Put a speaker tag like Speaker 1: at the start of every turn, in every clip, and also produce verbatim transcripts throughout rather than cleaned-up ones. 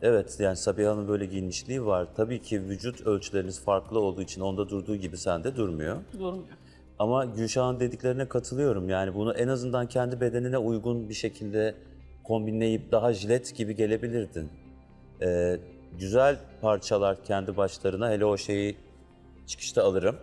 Speaker 1: Evet, yani Sabiha'nın böyle giyinmişliği var. Tabii ki vücut ölçüleriniz farklı olduğu için onda durduğu gibi sende durmuyor.
Speaker 2: Durmuyor.
Speaker 1: Ama Gülşah'ın dediklerine katılıyorum. Yani bunu en azından kendi bedenine uygun bir şekilde kombinleyip daha jilet gibi gelebilirdin. Ee, güzel parçalar kendi başlarına. Hele o şeyi çıkışta alırım.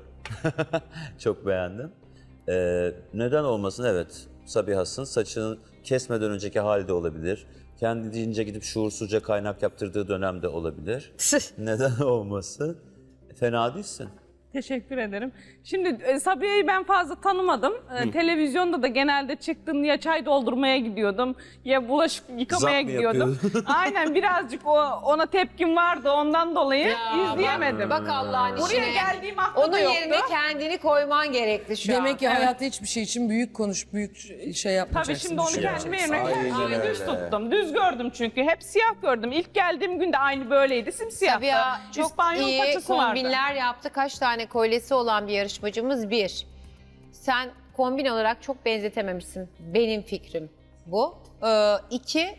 Speaker 1: Çok beğendim. Ee, neden olmasın? Evet, Sabiha'sın. Saçını kesmeden önceki halde olabilir. Kendince gidip şuursuzca kaynak yaptırdığı dönemde olabilir. Neden olmasın? Fena değilsin.
Speaker 2: Teşekkür ederim. Şimdi e, Sabiha'yı ben fazla tanımadım. E, televizyonda da genelde çıktım ya çay doldurmaya gidiyordum ya bulaşık yıkamaya
Speaker 1: Zap mı
Speaker 2: gidiyordum.
Speaker 1: yapıyordun?
Speaker 2: Aynen birazcık o ona tepkim vardı ondan dolayı
Speaker 3: Ya,
Speaker 2: izleyemedim.
Speaker 3: Bak, bak Allah'ın
Speaker 2: Buraya
Speaker 3: işine.
Speaker 2: geldiğim hafta
Speaker 3: Onun
Speaker 2: da yoktu.
Speaker 3: yerine kendini koyman gerekti şu an.
Speaker 4: Demek ki hayatta hiçbir şey için büyük konuş, büyük şey yapmayacaksın.
Speaker 2: Tabii şimdi onu
Speaker 4: düşünmeyeceksin.
Speaker 2: kendime yerine
Speaker 5: Aynen
Speaker 2: kendimi düz
Speaker 5: öyle.
Speaker 2: tuttum. Düz gördüm çünkü. Hep siyah gördüm. İlk geldiğim günde aynı böyleydi. Simsiyahtı.
Speaker 3: Sabiha çok
Speaker 2: İspanyol
Speaker 3: iyi
Speaker 2: paçası vardı.
Speaker 3: kombinler yaptı. Kaç tane kolyesi olan bir yarışmacımız bir. Sen kombin olarak çok benzetememişsin. Benim fikrim bu. Ee, iki,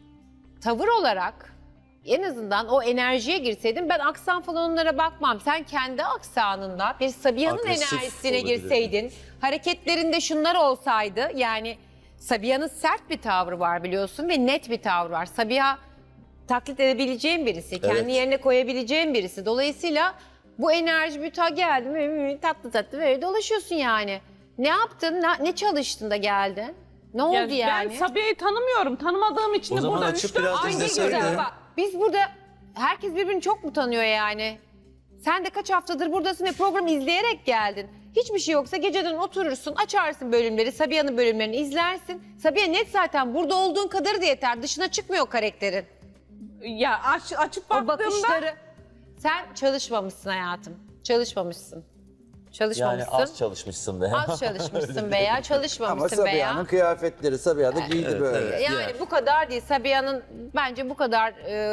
Speaker 3: tavır olarak en azından o enerjiye girseydin ben aksan falan onlara bakmam. Sen kendi aksanında bir Sabiha'nın
Speaker 1: Agresif
Speaker 3: enerjisine
Speaker 1: olabilir.
Speaker 3: girseydin, hareketlerinde şunlar olsaydı yani Sabiha'nın sert bir tavrı var biliyorsun ve net bir tavrı var. Sabiha taklit edebileceğin birisi, kendi
Speaker 1: Evet.
Speaker 3: yerine koyabileceğin birisi. Dolayısıyla bu enerji müta geldi mi tatlı tatlı böyle dolaşıyorsun yani. Ne yaptın, ne, ne çalıştın da geldin? Ne oldu
Speaker 2: Ya
Speaker 3: yani?
Speaker 2: Ben Sabiha'yı tanımıyorum. Tanımadığım için
Speaker 1: O
Speaker 2: de
Speaker 1: zaman
Speaker 2: burada
Speaker 1: açıp
Speaker 2: üç dört
Speaker 1: biraz
Speaker 3: Ay ne
Speaker 1: izleseydin.
Speaker 3: güzel bak. Biz burada herkes birbirini çok mu tanıyor yani? Sen de kaç haftadır buradasın ve programı izleyerek geldin. Hiçbir şey yoksa geceden oturursun, açarsın bölümleri, Sabiha'nın bölümlerini izlersin. Sabiha net zaten burada olduğun kadarı da yeter. Dışına çıkmıyor karakterin.
Speaker 2: Ya aç, açıp
Speaker 3: O
Speaker 2: baktığımda
Speaker 3: bakışları. Sen çalışmamışsın hayatım. Çalışmamışsın.
Speaker 1: Yani
Speaker 3: Çalışmamışsın.
Speaker 1: az çalışmışsın be.
Speaker 3: Az çalışmışsın veya
Speaker 5: Ama
Speaker 3: çalışmamışsın
Speaker 5: Sabiha'nın
Speaker 3: veya.
Speaker 5: kıyafetleri, Sabiha da giydi
Speaker 1: Evet,
Speaker 5: böyle.
Speaker 1: evet.
Speaker 3: Yani
Speaker 1: Yani.
Speaker 3: bu kadar değil. Sabiha'nın bence bu kadar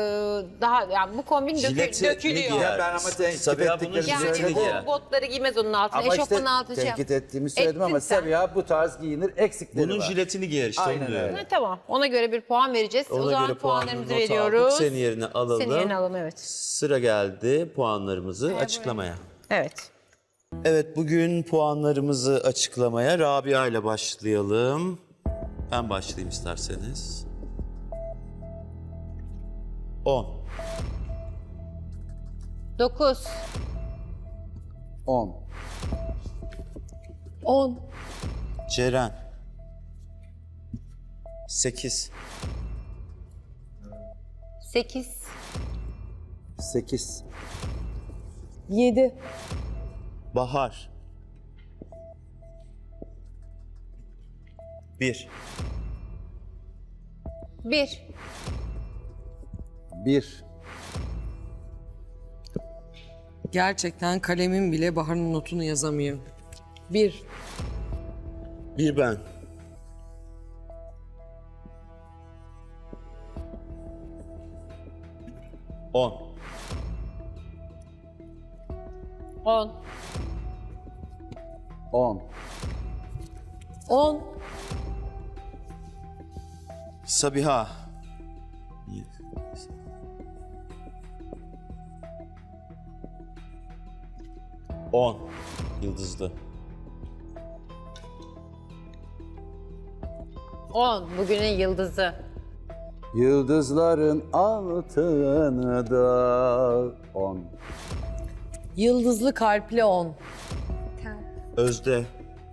Speaker 3: e, daha yani bu kombin dökü,
Speaker 1: Jileti
Speaker 3: dökülüyor.
Speaker 1: giyer?
Speaker 5: Ya ben ama tenkit
Speaker 1: Sabiha bunun
Speaker 5: ettiklerimi
Speaker 3: Yani
Speaker 1: jiletini
Speaker 5: söyledim.
Speaker 1: giyer.
Speaker 3: o botları giymez onun altına.
Speaker 5: Ama işte
Speaker 3: Eşofmanın altına şey yap.
Speaker 5: tenkit ettiğimi söyledim
Speaker 3: Ettin
Speaker 5: ama
Speaker 3: sen.
Speaker 5: Sabiha bu tarz giyinir, eksikleri
Speaker 1: Bunun
Speaker 5: var.
Speaker 1: jiletini giyer işte onu
Speaker 5: Aynen
Speaker 1: diyorum.
Speaker 5: öyle.
Speaker 3: Ha, tamam. Ona göre bir puan vereceğiz.
Speaker 1: Ona
Speaker 3: o zaman
Speaker 1: göre puanını
Speaker 3: puanlarımızı
Speaker 1: not
Speaker 3: veriyoruz.
Speaker 1: aldık. Senin yerine alalım.
Speaker 3: Senin yerine alalım, evet.
Speaker 1: Sıra geldi puanlarımızı açıklamaya.
Speaker 3: Evet.
Speaker 1: Evet, bugün puanlarımızı açıklamaya Rabia ile başlayalım. Ben başlayayım isterseniz. on.
Speaker 3: dokuz.
Speaker 5: on.
Speaker 4: on.
Speaker 1: Ceren. sekiz.
Speaker 3: sekiz.
Speaker 5: sekiz.
Speaker 4: yedi.
Speaker 1: Bahar. bir.
Speaker 3: bir.
Speaker 5: bir.
Speaker 4: Gerçekten kalemim bile Bahar'ın notunu yazamıyor. bir.
Speaker 1: Bir ben. on.
Speaker 3: on.
Speaker 5: on.
Speaker 4: on.
Speaker 1: Sabiha. on. Yıldızlı.
Speaker 3: on. Bugünün yıldızı.
Speaker 5: Yıldızların altını da on.
Speaker 4: Yıldızlı kalpli on.
Speaker 1: Özde.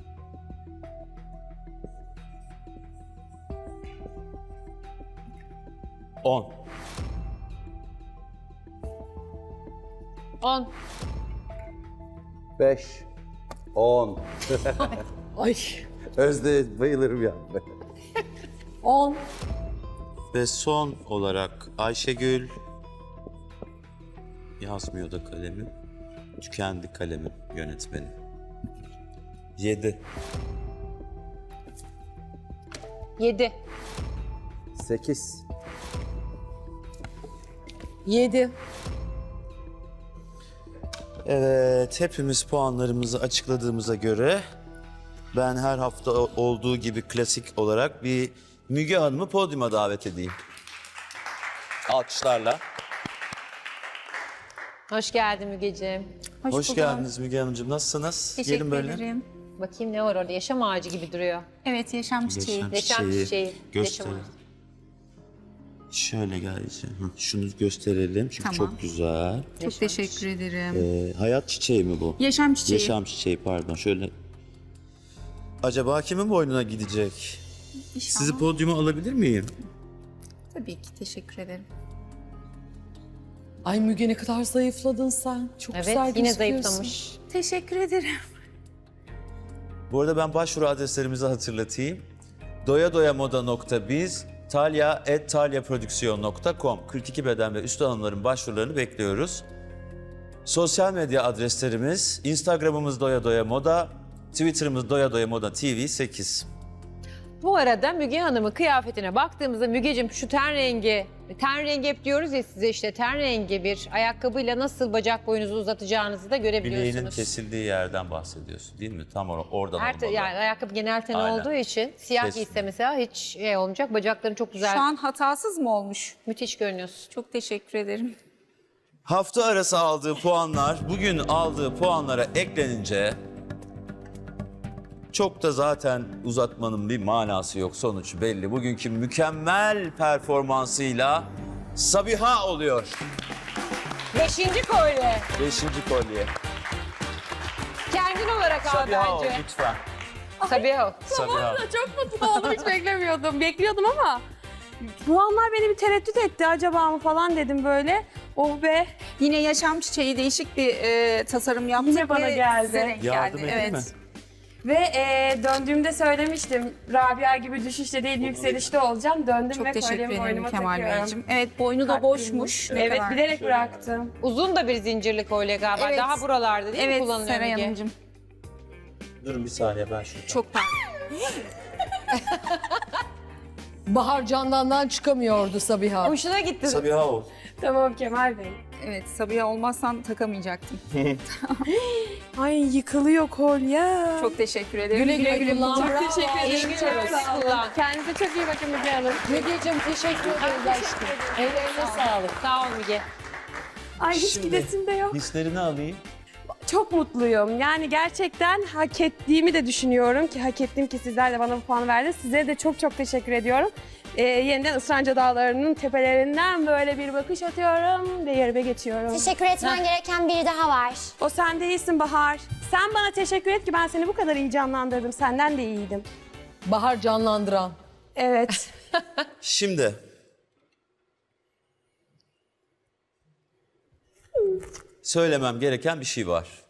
Speaker 1: on.
Speaker 3: on.
Speaker 5: beş. on.
Speaker 4: Ay.
Speaker 5: Özde bayılırım ya.
Speaker 4: on.
Speaker 1: Ve son olarak Ayşegül. Yazmıyor da kalemim. Tükendi kalemim yönetmeni. yedi.
Speaker 3: yedi.
Speaker 5: sekiz.
Speaker 4: yedi.
Speaker 1: Evet, hepimiz puanlarımızı açıkladığımıza göre ben her hafta olduğu gibi klasik olarak bir Müge Hanım'ı podyuma davet edeyim. Alkışlarla.
Speaker 3: Hoş geldin Mügeciğim.
Speaker 6: Hoş,
Speaker 1: Hoş
Speaker 6: bulduk.
Speaker 1: geldiniz Müge Hanımcığım. Nasılsınız?
Speaker 6: Teşekkür
Speaker 1: Gelin böyle.
Speaker 6: ederim.
Speaker 3: Bakayım ne var orada? Yaşam ağacı gibi duruyor.
Speaker 6: Evet, yaşam çiçeği.
Speaker 1: Yaşam
Speaker 3: Yaşam
Speaker 1: çiçeği.
Speaker 3: çiçeği,
Speaker 1: Gösterelim.
Speaker 3: yaşam
Speaker 1: Şöyle geleceğim. Hı, şunu gösterelim çünkü
Speaker 6: Tamam.
Speaker 1: çok güzel.
Speaker 6: Çok teşekkür ederim.
Speaker 1: Ee, hayat çiçeği mi bu?
Speaker 6: Yaşam çiçeği.
Speaker 1: Yaşam çiçeği pardon. Şöyle. Acaba kimin boynuna gidecek?
Speaker 6: İnşallah.
Speaker 1: Sizi podyuma alabilir miyim?
Speaker 6: Tabii ki, teşekkür ederim.
Speaker 4: Ay Müge ne kadar zayıfladın sen. Çok
Speaker 3: Evet,
Speaker 4: güzel
Speaker 3: yine
Speaker 4: gözüküyorsun.
Speaker 3: zayıflamış.
Speaker 6: Teşekkür ederim.
Speaker 1: Bu arada ben başvuru adreslerimizi hatırlatayım. doyadoyamoda nokta biz, talya at talyaprodüksiyon nokta com. kırk iki beden ve üstü hanımların başvurularını bekliyoruz. Sosyal medya adreslerimiz, Instagram'ımız doya doya moda, Twitter'ımız doya doya moda T V sekiz.
Speaker 3: Bu arada Müge Hanım'ın kıyafetine baktığımızda Mügeciğim şu ten rengi, ten rengi hep diyoruz ya size işte ten rengi bir ayakkabıyla nasıl bacak boyunuzu uzatacağınızı da
Speaker 1: Bileğinin
Speaker 3: görebiliyorsunuz.
Speaker 1: kesildiği yerden bahsediyorsun değil mi? Tam or- oradan
Speaker 3: Her
Speaker 1: olmalı.
Speaker 3: yani ayakkabı genel ten
Speaker 1: Aynen.
Speaker 3: olduğu için siyah
Speaker 1: Kesin.
Speaker 3: giyse mesela hiç şey olmayacak. Bacakların çok güzel,
Speaker 6: Şu an hatasız mı olmuş?
Speaker 3: müthiş görünüyorsun.
Speaker 6: Çok teşekkür ederim.
Speaker 1: Hafta arası aldığı puanlar bugün aldığı puanlara eklenince çok da zaten uzatmanın bir manası yok. Sonuç belli. Bugünkü mükemmel performansıyla Sabiha oluyor.
Speaker 3: Beşinci kolye.
Speaker 1: Beşinci kolye.
Speaker 3: Kendin olarak al
Speaker 1: Sabiha ol
Speaker 3: bence.
Speaker 1: lütfen.
Speaker 3: Sabiha ol.
Speaker 1: Sabiha.
Speaker 7: Çok mutlu oldum, hiç beklemiyordum. Bekliyordum ama puanlar beni bir tereddüt etti. Acaba mı falan dedim böyle. Oh be.
Speaker 6: Yine yaşam çiçeği değişik bir e, tasarım yaptık.
Speaker 7: Yine bana
Speaker 6: ve
Speaker 7: geldi.
Speaker 6: size renk
Speaker 1: Yardım
Speaker 6: geldi.
Speaker 1: edeyim
Speaker 6: Evet.
Speaker 1: mi?
Speaker 7: Ve e, döndüğümde söylemiştim. Rabia gibi düşüşte değil yükselişte olacağım. Döndüm
Speaker 6: Çok
Speaker 7: ve
Speaker 6: teşekkür
Speaker 7: kolyemi
Speaker 6: ederim
Speaker 7: boynuma
Speaker 6: Kemal
Speaker 7: takıyorum.
Speaker 6: Beyciğim. Evet, boynu da
Speaker 7: Kalbim.
Speaker 6: boşmuş. Ne
Speaker 7: Evet,
Speaker 6: kadar-
Speaker 7: bilerek bıraktım.
Speaker 3: Uzun da bir zincirli kolye galiba.
Speaker 6: Evet.
Speaker 3: Daha buralarda değil mi
Speaker 6: Evet,
Speaker 3: kullanılıyor
Speaker 6: Seray
Speaker 3: Müge?
Speaker 6: Hanımcığım.
Speaker 1: Durun bir saniye ben şunu.
Speaker 6: Çok pardon.
Speaker 4: Bahar candandan çıkamıyordu Sabiha.
Speaker 3: Hoşuna gitti.
Speaker 1: Sabiha ol.
Speaker 7: Tamam Kemal Bey.
Speaker 6: Evet, Sabiha olmazsan takamayacaktım.
Speaker 7: Ay yıkılıyor kolye.
Speaker 6: Çok teşekkür ederim.
Speaker 4: Güle güle kullan.
Speaker 7: Çok
Speaker 4: Bravo.
Speaker 7: teşekkür
Speaker 3: İyi
Speaker 7: ederim.
Speaker 3: günler
Speaker 7: Çok sağ olun.
Speaker 3: kullan.
Speaker 7: Kendinize çok iyi bakın Müge Hanım.
Speaker 4: Mügeciğim teşekkür ederiz aşkım. Ellerine sağlık.
Speaker 3: Sağ ol Müge.
Speaker 7: Ay hiç
Speaker 1: Şimdi-
Speaker 7: gidesim de yok.
Speaker 1: Hislerini alayım.
Speaker 7: Çok mutluyum. Yani gerçekten hak ettiğimi de düşünüyorum ki hak ettim ki sizler de bana bu puanı verdiniz. Size de çok çok teşekkür ediyorum. Ee, yeniden Isranca Dağları'nın tepelerinden böyle bir bakış atıyorum ve yerime geçiyorum.
Speaker 8: Teşekkür etmen gereken biri daha var.
Speaker 7: O sen değilsin Bahar. Sen bana teşekkür et ki ben seni bu kadar iyi canlandırdım. Senden de iyiydim.
Speaker 4: Bahar canlandıran.
Speaker 7: Evet.
Speaker 1: Şimdi söylemem gereken bir şey var.